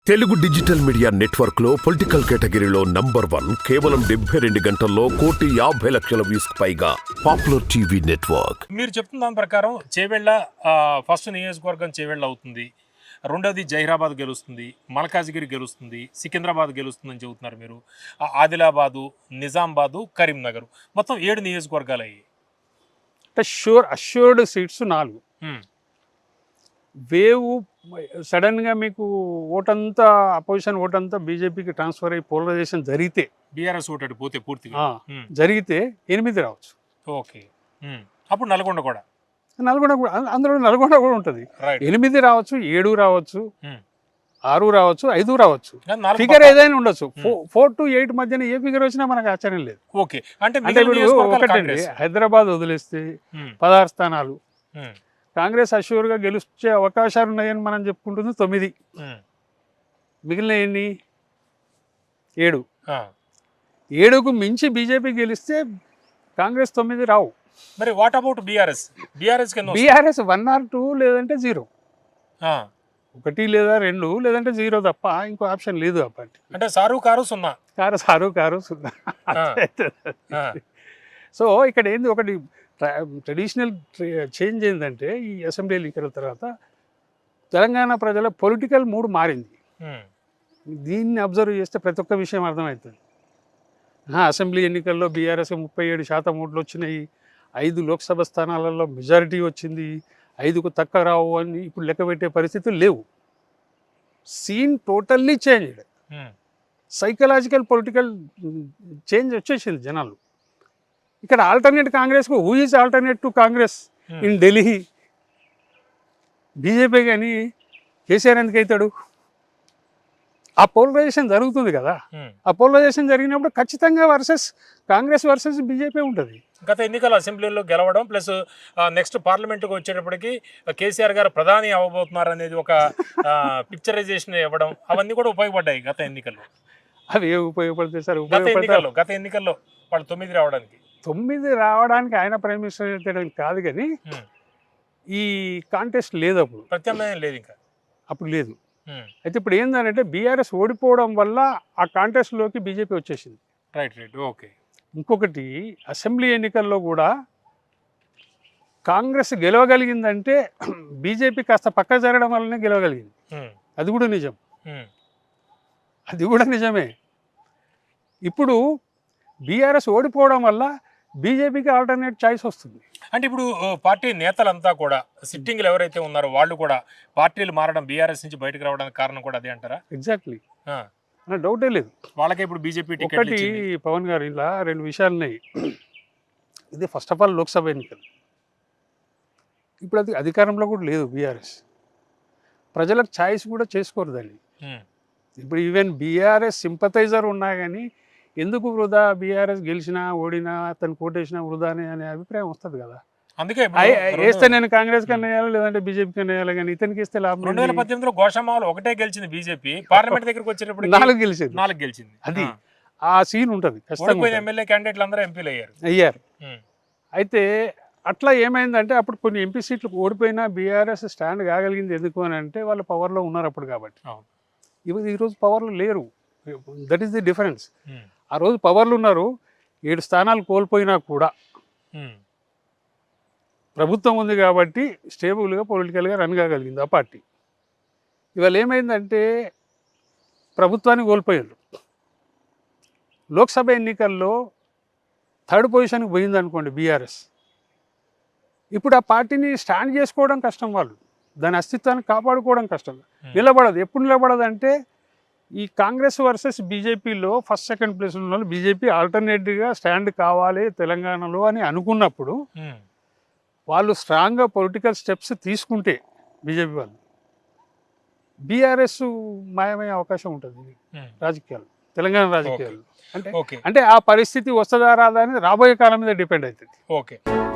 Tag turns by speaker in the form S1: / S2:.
S1: Telugu digital media network లో political కేటగిరీలో #1 కేవలం 72 గంటల్లో 1,50,00,000 వ్యూస్ పైగా పాపులర్ టీవీ నెట్వర్క్.
S2: మీరు చెప్తున్న దాని ప్రకారం చేవెళ్ళ ఫస్ట్ నియోజకవర్గం చేవెళ్ళ అవుతుంది, రెండోది జహీరాబాద్ గెలుస్తుంది, మల్కాజ్గిరి గెలుస్తుంది, సికింద్రాబాద్ గెలుస్తుందని చెబుతున్నారు మీరు. ఆదిలాబాదు, నిజామాబాదు, కరీంనగర్ మొత్తం 7 నియోజకవర్గాలు అయ్యాయి.
S3: అంటే అష్యూర్డ్ సీట్స్ 4. వేవ్ సడన్గా మీకు ఓటంతా అపోజిషన్ ఓటంతా బీజేపీకి ట్రాన్స్ఫర్ అయ్యి పోలరైజేషన్ జరిగితే
S2: బీఆర్ఎస్ ఓటు పోతే పూర్తిగా
S3: జరిగితే 8 రావచ్చు.
S2: ఓకే, అప్పుడు నల్గొండ కూడా
S3: అందులో నల్గొండ కూడా ఉంటుంది. 8 రావచ్చు, 7 రావచ్చు, 6 రావచ్చు, 5 రావచ్చు. ఫిగర్ ఏదైనా ఉండొచ్చు. 4 to 8 మధ్యన ఏ ఫిగర్ వచ్చినా మనకు ఆశ్చర్యం లేదు.
S2: ఓకే, అంటే
S3: ఒకటండి, హైదరాబాద్ వదిలేస్తే 16 స్థానాలు కాంగ్రెస్ అష్యూర్గా గెలిచే అవకాశాలు ఉన్నాయని మనం చెప్పుకుంటుంది 9. మిగిలిన ఎన్ని? 7. 7కు మించి బీజేపీ గెలిస్తే కాంగ్రెస్ 9 రావు.
S2: మరి what about BRS? BRS
S3: 1 or 2 లేదంటే 0, 1 లేదా 2 లేదంటే 0 తప్ప ఇంకో ఆప్షన్ లేదు. ఆ పార్టీ
S2: అంటే సారు కారు 0.
S3: సో ఇక్కడ ఏంది, ఒకటి ట్రెడిషనల్ చేంజ్ ఏంటంటే ఈ అసెంబ్లీ ఎన్నికల తర్వాత తెలంగాణ ప్రజల పొలిటికల్ మూడ్ మారింది. దీన్ని అబ్జర్వ్ చేస్తే ప్రతి ఒక్క విషయం అర్థమవుతుంది. అసెంబ్లీ ఎన్నికల్లో బీఆర్ఎస్ 37% ఓట్లు వచ్చినాయి, 5 లోక్సభ స్థానాలలో మెజారిటీ వచ్చింది, 5కు తక్కువ రావు అని ఇప్పుడు లెక్క పెట్టే పరిస్థితులు లేవు. Scene totally change. Psychological political change వచ్చేసింది జనాలు. ఇక్కడ ఆల్టర్నేట్ కాంగ్రెస్కు who is alternate to Congress in Delhi? BJP కానీ కేసీఆర్ ఎందుకు అవుతాడు? ఆ పోలరైజేషన్ జరుగుతుంది కదా. ఆ పోలరైజేషన్ జరిగినప్పుడు ఖచ్చితంగా కాంగ్రెస్ వర్సెస్ బీజేపీ ఉంటుంది.
S2: గత ఎన్నికల అసెంబ్లీలో గెలవడం ప్లస్ నెక్స్ట్ పార్లమెంట్కి వచ్చేటప్పటికి కేసీఆర్ గారు ప్రధాని అవ్వబోతున్నారు అనేది ఒక పిక్చరైజేషన్ ఇవ్వడం, అవన్నీ కూడా ఉపయోగపడ్డాయి గత ఎన్నికల్లో.
S3: అవి ఏ ఉపయోగపడతాయి సార్?
S2: గత ఎన్నికల్లో వాళ్ళు 9 రావడానికి
S3: 9 రావడానికి ఆయన ప్రైమ్ మినిస్టర్ చేయడానికి కాదు, కానీ ఈ కాంటెస్ట్ లేదు, అప్పుడు
S2: ప్రత్యామ్నాయం లేదు, ఇంకా అప్పుడు
S3: లేదు. అయితే ఇప్పుడు ఏంటంటే బీఆర్ఎస్ ఓడిపోవడం వల్ల ఆ కాంటెస్ట్లోకి బీజేపీ వచ్చేసింది.
S2: రైట్. ఓకే.
S3: ఇంకొకటి, అసెంబ్లీ ఎన్నికల్లో కూడా కాంగ్రెస్ గెలవగలిగిందంటే బీజేపీ కాస్త పక్క జరగడం వల్లనే గెలవగలిగింది. అది కూడా నిజమే. ఇప్పుడు బీఆర్ఎస్ ఓడిపోవడం వల్ల బీజేపీకి ఆల్టర్నేట్ చాయిస్ వస్తుంది.
S2: అంటే ఇప్పుడు పార్టీ నేతలంతా కూడా సిట్టింగ్లు ఎవరైతే ఉన్నారో వాళ్ళు కూడా పార్టీలు మారడం, బీఆర్ఎస్ నుంచి బయటకు రావడానికి కారణం కూడా అదే అంటారా?
S3: ఎగ్జాక్ట్లీ, డౌటే లేదు.
S2: వాళ్ళకే ఇప్పుడు బీజేపీ టికెట్.
S3: ఒకటి పవన్ గారు, ఇలా 2 విషయాలు ఉన్నాయి. ఇది ఫస్ట్ ఆఫ్ ఆల్ లోక్సభ ఎన్నికలు. ఇప్పుడు అది అధికారంలో కూడా లేదు బీఆర్ఎస్. ప్రజలకు ఛాయిస్ కూడా చేసుకోరు దాన్ని. ఇప్పుడు ఈవెన్ బీఆర్ఎస్ సింపథైజర్ ఉన్నా కానీ ఎందుకు వృధా, బీఆర్ఎస్ గెలిచినా ఓడినా అతను కోటేసినా వృధానే అనే అభిప్రాయం వస్తుంది కదా.
S2: అందుకే
S3: వేస్తే నేను కాంగ్రెస్ కన్నా వేయాలి, లేదంటే బీజేపీ కన్నా వేయాలి, కానీ ఇతనికి ఇస్తే లాభం.
S2: 2018లో గోషామాలో ఒకటే గెలిచింది బీజేపీ, పార్లమెంట్ దగ్గరకు వచ్చేటప్పుడు
S3: 4
S2: గెలిచింది.
S3: అది ఆ సీన్ ఉంటుంది.
S2: ఎమ్మెల్యే క్యాండిడేట్లు అందరూ ఎంపీలు
S3: అయ్యారు. అయితే అట్లా ఏమైందంటే అప్పుడు కొన్ని ఎంపీ సీట్లు ఓడిపోయినా బీఆర్ఎస్ స్టాండ్ కాగలిగింది. ఎందుకు అని అంటే వాళ్ళు పవర్లో ఉన్నారు అప్పుడు కాబట్టి. ఈరోజు పవర్లో లేరు. That is the difference. ఆ రోజు పవర్లు ఉన్నారు, 7 స్థానాలు కోల్పోయినా కూడా ప్రభుత్వం ఉంది కాబట్టి స్టేబుల్గా పొలిటికల్గా రన్ కాగలిగింది ఆ పార్టీ. ఇవాళ ఏమైందంటే ప్రభుత్వాన్ని కోల్పోయారు. లోక్సభ ఎన్నికల్లో 3rd పొజిషన్కి పోయింది అనుకోండి బీఆర్ఎస్. ఇప్పుడు ఆ పార్టీని స్టాండ్ చేసుకోవడం కష్టం, వాళ్ళు దాని అస్తిత్వాన్ని కాపాడుకోవడం కష్టం. నిలబడదు. ఎప్పుడు నిలబడదు అంటే ఈ కాంగ్రెస్ వర్సెస్ బీజేపీలో ఫస్ట్ సెకండ్ ప్లేస్లో ఉన్న వాళ్ళు బీజేపీ ఆల్టర్నేటివ్గా స్టాండ్ కావాలి తెలంగాణలో అని అనుకున్నప్పుడు వాళ్ళు స్ట్రాంగ్గా పొలిటికల్ స్టెప్స్ తీసుకుంటే బీజేపీ వాళ్ళు బీఆర్ఎస్ మాయమయ్యే అవకాశం ఉంటుంది రాజకీయాలు, తెలంగాణ రాజకీయాలు. అంటే ఆ పరిస్థితి వస్తుందా రాదా అని రాబోయే కాలం మీద డిపెండ్ అవుతుంది.
S2: ఓకే.